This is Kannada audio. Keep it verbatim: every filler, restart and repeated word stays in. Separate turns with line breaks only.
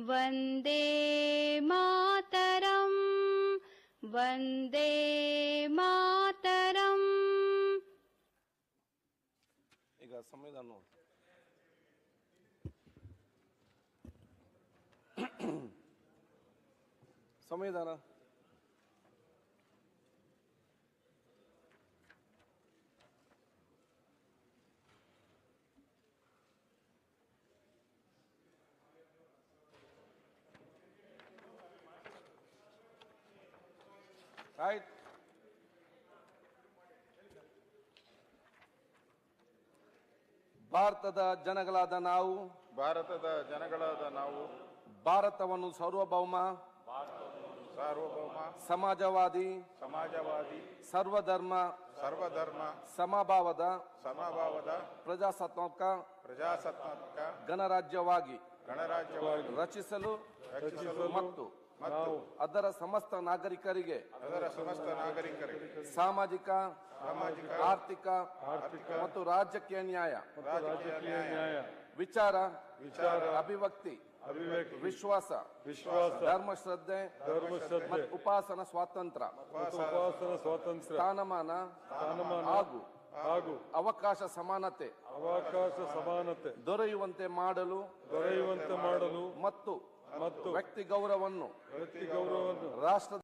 ವಂದೇ ಮಾತರಂ ವಂದೇ ಮಾತರಂ.
ಈಗ ಸಂವಿಧಾನ ಸಂವಿಧಾನ ರೈಟ್. ಭಾರತದ ಜನಗಳಾದ ನಾವು
ಭಾರತದ ಜನಗಳಾದ ನಾವು
ಭಾರತವನ್ನು ಸಾರ್ವಭೌಮ
ಸಾರ್ವಭೌಮ
ಸಮಾಜವಾದಿ
ಸಮಾಜವಾದಿ
ಸರ್ವಧರ್ಮ
ಸರ್ವಧರ್ಮ
ಸಮಭಾವದ
ಸಮಭಾವದ
ಪ್ರಜಾಸತ್ತಾತ್ಮಕ
ಪ್ರಜಾಸತ್ತಾತ್ಮಕ
ಗಣರಾಜ್ಯವಾಗಿ
ಗಣರಾಜ್ಯವಾಗಿ
ರಚಿಸಲು
ರಚಿಸಲು
ಮತ್ತು
ಮತ್ತು
ಅದರ ಸಮಸ್ತ ನಾಗರಿಕರಿಗೆ
ಅದರ ಸಮಸ್ತ ನಾಗರಿಕರಿಗೆ
ಸಾಮಾಜಿಕ
ಸಾಮಾಜಿಕ
ಆರ್ಥಿಕ
ಆರ್ಥಿಕ
ಮತ್ತು ರಾಜಕೀಯ ನ್ಯಾಯ
ರಾಜಕೀಯ ನ್ಯಾಯ
ವಿಚಾರ
ವಿಚಾರ
ಅಭಿವ್ಯಕ್ತಿ
ಅಭಿವ್ಯಕ್ತಿ
ವಿಶ್ವಾಸ
ವಿಶ್ವಾಸ
ಧರ್ಮ ಶ್ರದ್ಧೆ
ಧರ್ಮ ಶ್ರದ್ಧೆ
ಮತ್ತು ಉಪಾಸನ ಸ್ವಾತಂತ್ರ್ಯ
ಮತ್ತು ಉಪಾಸನ ಸ್ವಾತಂತ್ರ್ಯ
ಸ್ಥಾನಮಾನ
ಸ್ಥಾನಮಾನ
ಹಾಗೂ
ಹಾಗೂ
ಅವಕಾಶ ಸಮಾನತೆ
ಅವಕಾಶ ಸಮಾನತೆ
ದೊರೆಯುವಂತೆ ಮಾಡಲು
ದೊರೆಯುವಂತೆ ಮಾಡಲು
ಮತ್ತು
ಮತ್ತು
ವ್ಯಕ್ತಿ ಗೌರವವನ್ನು
ವ್ಯಕ್ತಿ ಗೌರವವನ್ನು
ರಾಷ್ಟ್ರದ